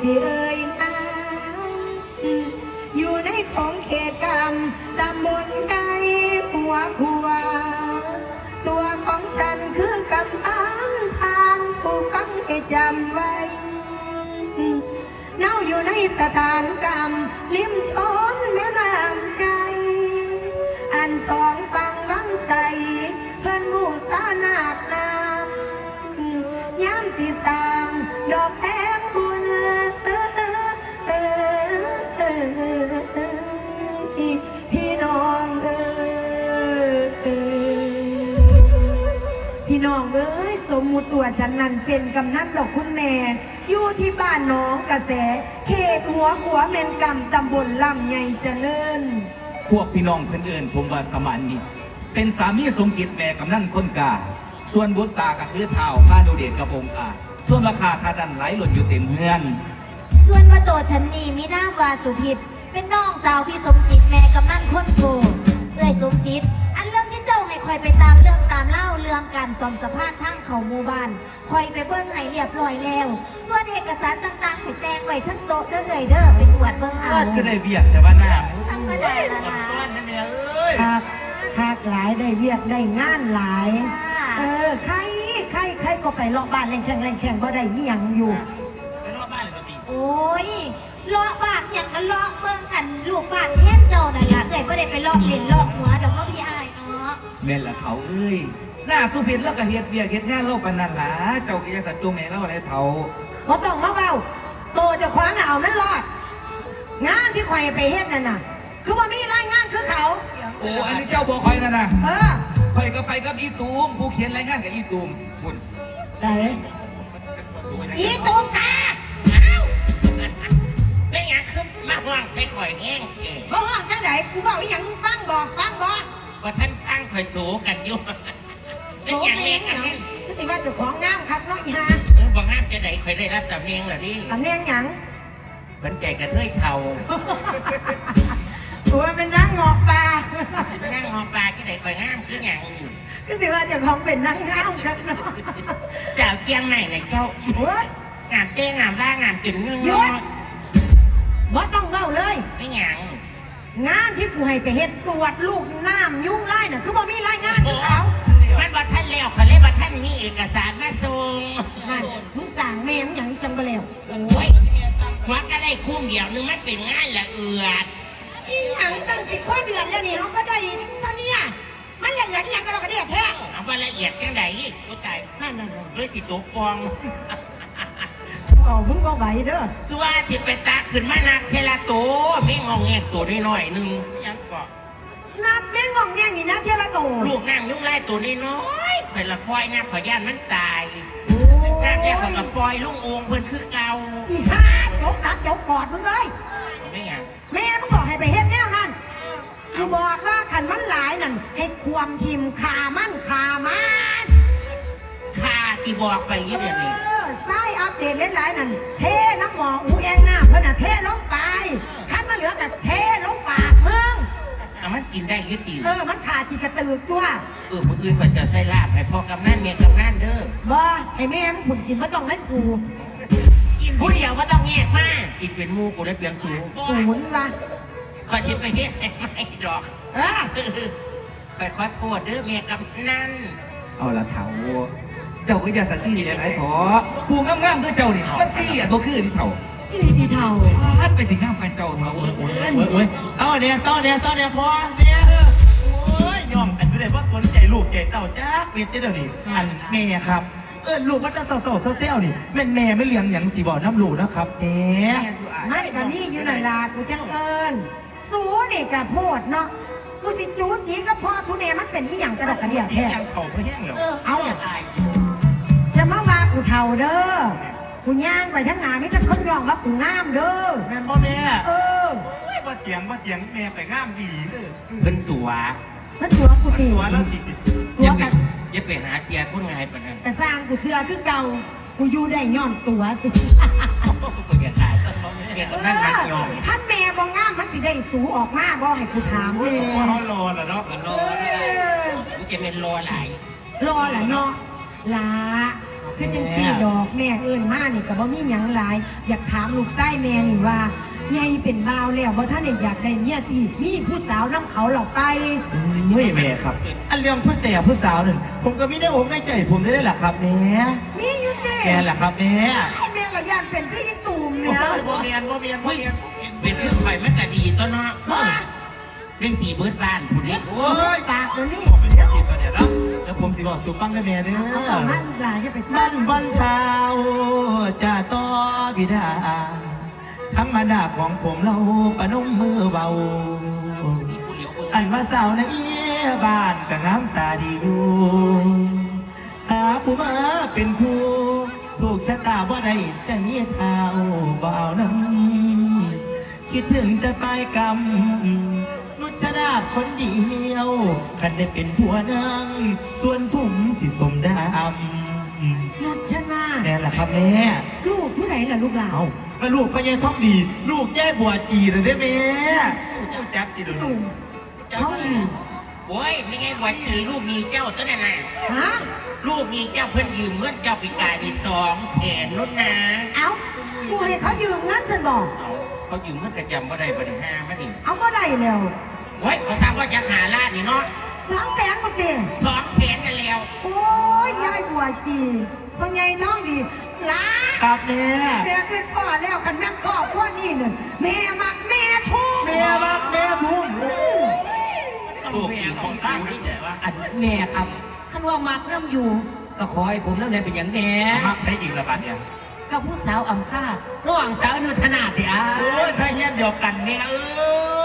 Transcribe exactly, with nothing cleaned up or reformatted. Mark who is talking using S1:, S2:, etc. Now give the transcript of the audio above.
S1: สิเอ่ยนามอยู่ในของเขตกรรมตำบลไกหัวขัวตัวของฉันคือกำพันทานผู้ฟังให้จำไว้เน่าอยู่ในสถานกรรมริมชนแม่น้ำใจอันสองฝั่งวังใสเพื่อนบูสานาคนามย้ำสีสางดอกแต้มบุญพี่น้องเอ้ยพี่น้องเอ้ยสมมุติตัวฉันนั้นเป็นกำนันดอกคุณแม่อยู่ที่บ้านน้องกระแสเขตหัวขัวเมนกำตำบลลำใหญ่เจริญ
S2: พวกพี่น้องเพื่อนเอิญผมว่าสมานมิตรเป็นสามีสมกิจแม่กำนันคนกาส่วนบุตรตากับคือเท้าพาดูเดชกับองค์อาส่วนราคาทาดันไหลหล่นอยู่เต็มเฮือน
S3: ส่วนว่าตัวฉันนี่มีนามว่าสุพิษเป็นน้องสาวพี่สมจิตแม่กำนันคนโกเอ้ยสมจิตอันเรื่องที่เจ้าให้คอยไปตามเรื่องตามเล่าเรื่องการซ่อมสะพานทางเขาหมู่บ้านคอยไปเบิ้งให้เรียบร้อยแล้วส่วนเอกสารต่างๆให้แตงไว้ทั้งโต๊ะเด้อเอ้ยเด้อเป็นอวดเบิ้งเอา
S2: ก็ได้เบียดแต่ว่าหน้า
S3: ธรรมดาละนะ
S2: ซ่อนนะแม่เอ้ย
S1: คักคักหลายได้เวียกได้งานหลายเออใครใครใครก็ไปเลาะบ้านแรงแข่งแรงแข่งบ่ได้ยี่ยังอยู่
S2: ไปเลาะบ้านเลยปกติ
S3: โอ้ยเลาะบ้านอย่างก็เลาะเบิ้งกันลูกบ้านเฮี้ยนเจ้านั่นล่ะเอ้ยบ่ได้ไปเลาะเล่นเลาะหัวดอกเนาะพี่อ้ายเนาะ
S2: แม่นละเขาเอ้ยหน้าสุพิษแล้วก็เฮ็ดเวียกเฮ็ดงานเล่าปานนั้นล่ะเจ้ากิจสัจจงแม่เล่าอะไรเท่า
S1: บ่ต้องมาเว้าโตจะคว้าน่ะเอามันรอดงานที่ข่อยไปเฮ็ดนั่นน่ะคือว่ามีรายงานคือเขา
S2: โอ้อันนี้เจ้าบอกคอยนั่นน่ะ
S1: เออ
S2: คอยก็ไปกับอีตูมผู้เขียนรายงานกับอีตูมคุณ
S1: ได้
S3: อีตูมกาเอ้า
S4: ไม่งั้นคือมาห่วงใส่ข่อยแห้ง
S1: บ่ห้องจังไดกูเว้าอีหยังมึงฟังบ่ฟังบ่
S4: ว่าท่านสร้างข่อยสูกันอยู่เป็นอย่างนี้กันนี่
S1: ก็สิว่าเจ้าของงามครับเนาะอีห่า
S4: เออบ่งามจะไหนข่อยได้รับตำแหน่งล่ะดิ
S1: ตำแหน่งหยัง
S4: เพิ่นใจกระเทยเท่า
S1: ตัวเป็นนางงอกปลา
S4: สิไปนั่งงอปลาที่ไหนข่อยงามคือหยังอยู่
S1: ก็สิว่าเจ้าของเป็นนางงามครับเนาะ
S4: เจ้าเคียงไหนไหนเจ้า
S1: โอ้ย
S4: งามเต้งามล่างามกินเง
S1: ยศบ่ต้องเว้าเลย
S4: ไม่หยัง
S1: งานที่กูให้ไปเฮ็ดตรวจลูกน้ำยุ่งไล่น่ะคือบ่มีรายงานคือเขา
S4: มันว่าท่านแล้วเขาเลยว่าท่านมีเอกสารมาส่ง
S1: นั่นมึงสั่งแม่มึงหยังจังบ่แล้ว
S4: โอ้ยหัวก็ได้คุ้มเดียวนึงมันเป็นงานละเอือด
S1: อีหยังตั้งสิบกว่าเดือนแล้วนี่เขาก็ได้เท่านี้มันละเอียดอีหยังก็เราก็ได้แท้
S4: เอาว่าละเอียดจังได๋กูตาย
S1: นั่นนั่น
S4: เลยสิตกกอง
S1: อ๋อมึงบ่ไหวเด้อ
S4: สัวสิไปตาขึ้นมานักเทละโตไม่งองแงตัวน้อยๆนึงยังก็
S1: นับแม่งงแงงนี่นะเทละโต
S4: ลูกนั่งยุ่งไล่ตัวน้อยๆเป็นละคอยนะขอย่านมันตายน้ำเนี่ยเขากับปล่อยลุงองเพิ่นคือเก่า
S1: อีห่าจกตักจกกอดมึงเลย
S4: ไม่หยัง
S1: แม่มึงบอกให้ไปเฮ็ดแนวนั้นกูบอกว่าขันมันหลายนั่นให้ความทิมขามันขามัน
S4: ขาตีบอกไปยี่เดียวนี้
S1: ไส้อัปเดตหลายๆนั่นเทน้ำหมออูแองหน้าเพิ่นน่ะเทลงไปคันมาเหลือกับเทลงปากเพิ่ง
S4: เอามันกินได้ยี่ตี
S1: เออมันขาดฉีกกระตือตัว
S4: เออผู้อื่นก็จะใส่ลาบให้พ่อกำนันเมียกำนันเด้อ
S1: บ่ไอ้แม่มึงขุนกินไม่ต้องให้กู
S4: กินผู้เดียวก็ต้องแยกมากินเป็นมูกูได้เปลี่ยนสูง
S1: สูงว่ะ
S4: ขอชิมไปเฮ็ดไม่ดอก
S1: เออ
S4: ขอขอโทษเด้อเมียกำนัน
S2: เอาละเถาเจ้าก็อย่าสัตย์ซีเรียสไอ้ถอผู้งามๆด้วยเจ้านี่มันซีเรียสบ่คือที่เถา
S1: ที่ดีเถา
S2: พัดไปสิงามกันเจ้าเถา
S5: โอ้ยโอ้ยเศร้าเนี่ยเศร้าเนี่ยเศร้าเนี่ยพอเนี่ยโอ้ยยอมอันไม่ได้เพราะสนใจลูกใจเต่าจ้าเมียเจ้านี่อันแม่ครับเออลูกมันจะเศร้าๆเซลล์นี่แม่แม่ไม่เลี้ยงอย่างสีบ่อน้ำลูกนะครับเอ๊ะ
S1: ไม่กันนี่อยู่หน่อยล่ะกูจังเอิญสูนี่กะโพดเนาะกูสิจูจีก็พอทุเนมันเป็นที่อย่างกระดกกระเดียดแท้
S5: ยังเข่าไม่แห้งเหรอ
S1: เอาจะมาว่ากูเท่าเด้อกูย่างไปทั้งหนานี่จะคนยองว่ากูงามเด้อ
S5: แม่พ่อแม่
S1: เออ
S5: ว่าเถียงว่าเถียงแม่ไปงามอีหลี
S4: เพิ่นตัว
S1: มันตัวกูตี
S5: ตัวแล้วตี
S4: ตัวกันอย่าไปหาเสียพุ่นไงปะนั่น
S1: แต่สร้างกูเสือคือเก่ากูอยู่ได้ย้อนตัว
S4: กูอยากตายเมียกำนันมันยอม
S1: ท่านแม่บ่งามมันสิได้สูออกมาบ่ให้กูถามเลย
S5: เขารอแล้วเนาะ
S4: รอกูจะเป็นรอหลาย
S1: รอแหละเนาะลาคือจังสี่ดอกแม่เอิ้นมานี่ก็บ่มีหยังหลาย อยากถามลูกไส้แม่นี่ว่าไงเป็นบ่าวแล้วบ่ท่านได้อยากได้เมียตีมีผู้สาวนํเขาหรอกไป
S5: เฮ้ยแม่ครับ อันเรื่องผู้แสบผู้สาวนั่นผมก็ไม่ได้อกได้ใจผมได้แหละครับแม่
S1: มีอยู่ติ
S5: แกแหละครับแม่
S1: แม่ละย่านเป็นพี่อีตูมเนี่ย
S5: โมเมียนโมเมียนโม
S4: เฮ้ย
S5: เมียน
S4: เป็นเรื่องไฟมันก็ดีตัวเนาะเรื่องสีเบิร์ดบ้านผู้นี้
S5: โอ้ย
S1: ปากเดี๋ยวนี้
S5: ผมเป็นแค่ติดกันเนี่ยนะแล้วผมสิบอกสู่ฟังได้แม่เด้อ
S1: เอาต่อมาลูกหลานจะไปส
S5: บ้า
S1: ร้าง
S5: นบ้านเท้าจะต่อบิดา ทั้งมารดาของผมเราประนมมือเบา อันว่าสาวในบ้านก็งามตาดีอยู่ หาผู้มาเป็นครูถูกชะตาว่าได้ใจเท้าเบาน้ำคิดถึงแต่ปลายกรรมนุชนาถคนเดียวคันได้เป็นผัวนางส่วนผมสิสมดำ
S1: นุชนา
S5: แม่ล่ะครับแม่
S1: ลูกผู้ไหนล่ะลูกหลาน
S5: เอาก็ลูกพญาท้องดี ลูกแย่บัวจีเลยได้ไหมเจ้าจักจีเลย
S1: เขาอีก
S4: โอ้ยไม่ไงวันคือลูกมีเจ้าตัวนั้นน่ะ
S1: ฮะ
S4: ลูกมีเจ้าเพิ่นยืมเงินเจ้าปีกายดีสองแสนนุ่นนะ
S1: เอ้ากูให้เขายืมเงินฉันบอก
S4: เอาเขายืมเงินกระจำบ่ได้บ่ได้ห้ามาดิ
S1: เอาก็ได้แล้ว
S4: โอ้ยเขาทราบว่าจะหาลาดนี่เนาะ
S1: สองแสนหมดเต็ม
S4: สองแสนกันแล้ว
S1: โอ้ยยายบัวจีพ่อไงน้องดีหลา
S5: ครับแม่
S1: แม่ขึ้นพ่อแล้วคันแม่ครอบครัวนี่เนี่ยแม่มักแม่ทุ่ง
S5: แม่รักแม่พุ่ม
S4: ลูกมีของสร้างที่ไหนวะ
S6: อันแม่ครับคันว่ามักน้ำอยู่ ก็ขอให้ผมน้ำแดงเป็นอย่างแน่
S5: มักได้อีกละบาทเนี่ย
S6: กับผู้สาวอ่ำค่าระหว่างสาวอนุชนาติอา
S5: โอ้ยถ้าเฮียนเดียวกันแม่เอ้